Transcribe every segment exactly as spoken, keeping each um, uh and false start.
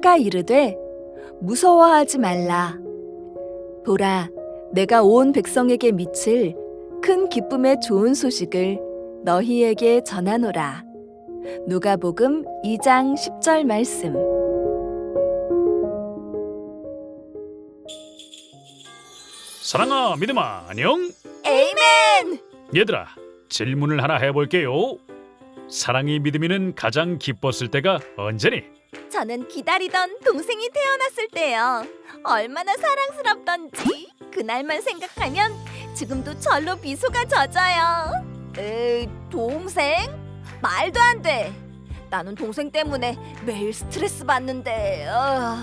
천사가 이르되 무서워하지 말라. 보라, 내가 온 백성에게 미칠 큰 기쁨의 좋은 소식을 너희에게 전하노라. 누가복음 이 장 십 절 말씀. 사랑아, 믿음아, 안녕? 에이멘! 얘들아, 질문을 하나 해볼게요. 사랑이 믿음이는 가장 기뻤을 때가 언제니? 저는 기다리던 동생이 태어났을 때요. 얼마나 사랑스럽던지 그날만 생각하면 지금도 절로 미소가 젖어요. 에이, 동생? 말도 안 돼. 나는 동생 때문에 매일 스트레스 받는데. 어...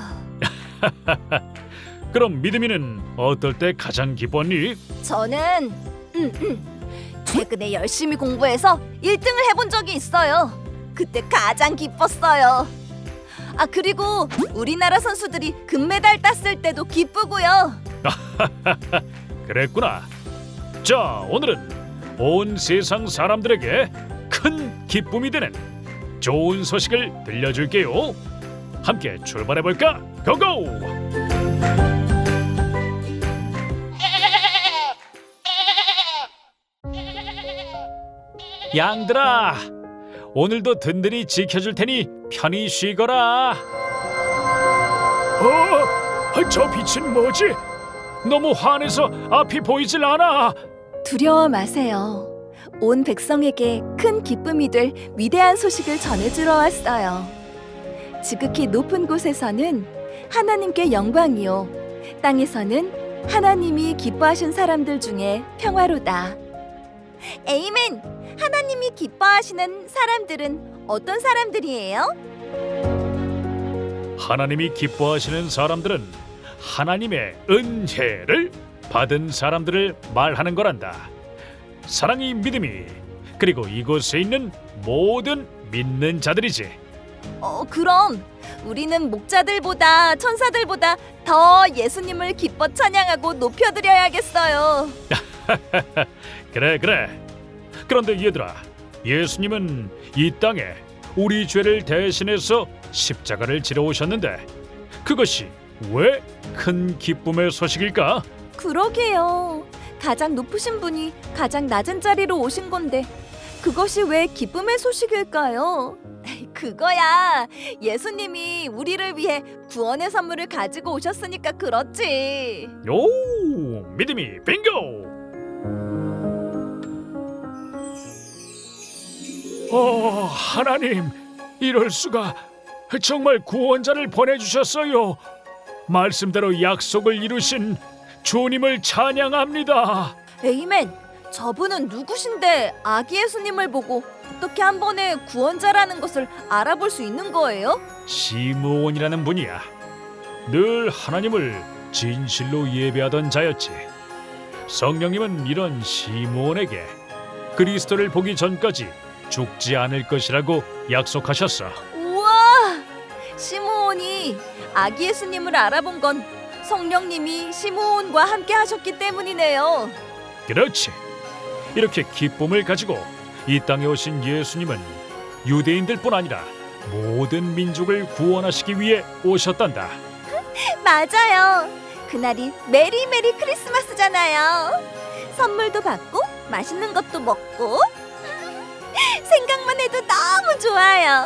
그럼 믿음이는 어떨 때 가장 기뻤니? 저는 음, 음, 최근에 열심히 공부해서 일 등을 해본 적이 있어요. 그때 가장 기뻤어요. 아, 그리고 우리나라 선수들이 금메달 땄을 때도 기쁘고요. 그랬구나. 자, 오늘은 온 세상 사람들에게 큰 기쁨이 되는 좋은 소식을 들려줄게요. 함께 출발해볼까? 고고! 양들아, 오늘도 든든히 지켜줄 테니 편히 쉬거라. 어? 저 빛은 뭐지? 너무 환해서 앞이 보이질 않아. 두려워 마세요. 온 백성에게 큰 기쁨이 될 위대한 소식을 전해주러 왔어요. 지극히 높은 곳에서는 하나님께 영광이요, 땅에서는 하나님이 기뻐하신 사람들 중에 평화로다. 에이멘! 하나님이 기뻐하시는 사람들은 어떤 사람들이에요? 하나님이 기뻐하시는 사람들은 하나님의 은혜를 받은 사람들을 말하는 거란다. 사랑이 믿음이, 그리고 이곳에 있는 모든 믿는 자들이지. 어, 그럼 우리는 목자들보다 천사들보다 더 예수님을 기뻐 찬양하고 높여드려야겠어요. 그래 그래. 그런데 얘들아, 예수님은 이 땅에 우리 죄를 대신해서 십자가를 지러 오셨는데 그것이 왜 큰 기쁨의 소식일까? 그러게요. 가장 높으신 분이 가장 낮은 자리로 오신 건데 그것이 왜 기쁨의 소식일까요? 그거야, 예수님이 우리를 위해 구원의 선물을 가지고 오셨으니까 그렇지. 오, 믿음이 빙고! 어, 하나님, 이럴 수가. 정말 구원자를 보내주셨어요. 말씀대로 약속을 이루신 주님을 찬양합니다. 에이멘! 저분은 누구신데 아기 예수님을 보고 어떻게 한 번에 구원자라는 것을 알아볼 수 있는 거예요? 시므온이라는 분이야. 늘 하나님을 진실로 예배하던 자였지. 성령님은 이런 시므온에게 그리스도를 보기 전까지 죽지 않을 것이라고 약속하셨어. 우와! 시므온이 아기 예수님을 알아본 건 성령님이 시므온과 함께 하셨기 때문이네요. 그렇지. 이렇게 기쁨을 가지고 이 땅에 오신 예수님은 유대인들뿐 아니라 모든 민족을 구원하시기 위해 오셨단다. 맞아요. 그날이 메리 메리 크리스마스잖아요. 선물도 받고 맛있는 것도 먹고 생각만 해도 너무 좋아요.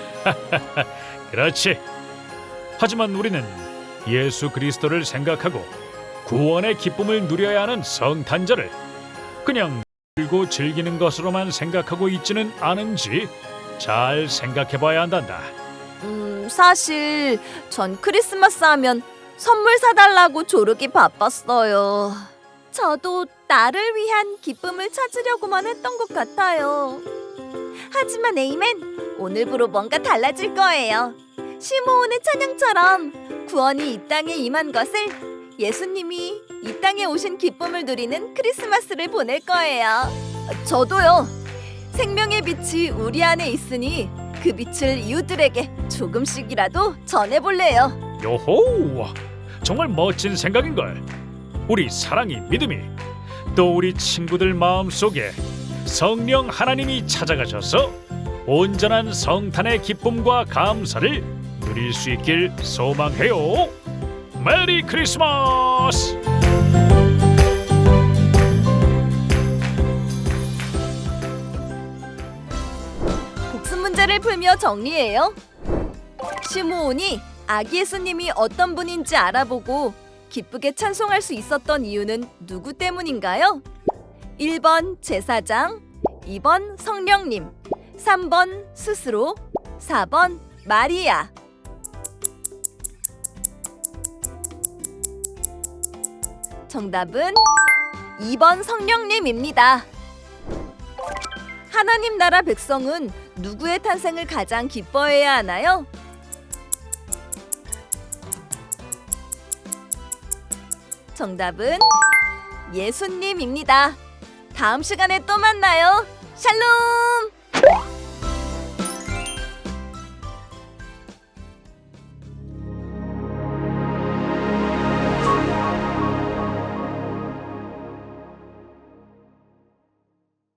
그렇지. 하지만 우리는 예수 그리스도를 생각하고 구원의 기쁨을 누려야 하는 성탄절을 그냥 즐고 즐기는 것으로만 생각하고 있지는 않은지 잘 생각해봐야 한단다. 음, 사실 전 크리스마스 하면 선물 사달라고 조르기 바빴어요. 저도 나를 위한 기쁨을 찾으려고만 했던 것 같아요. 하지만 에이멘, 오늘부로 뭔가 달라질 거예요. 시므온의 찬양처럼 구원이 이 땅에 임한 것을 예수님이 이 땅에 오신 기쁨을 누리는 크리스마스를 보낼 거예요. 저도요. 생명의 빛이 우리 안에 있으니 그 빛을 이웃들에게 조금씩이라도 전해볼래요. 요호! 정말 멋진 생각인걸. 우리 사랑이 믿음이 또 우리 친구들 마음속에 성령 하나님이 찾아가셔서 온전한 성탄의 기쁨과 감사를 누릴 수 있길 소망해요. 메리 크리스마스! 복습 문제를 풀며 정리해요. 시므온이 아기 예수님이 어떤 분인지 알아보고 기쁘게 찬송할 수 있었던 이유는 누구 때문인가요? 일 번 제사장, 이 번 성령님, 삼 번 스스로, 사 번 마리아. 정답은 이 번 성령님입니다. 하나님 나라 백성은 누구의 탄생을 가장 기뻐해야 하나요? 정답은 예수님입니다. 다음 시간에 또 만나요. 샬롬!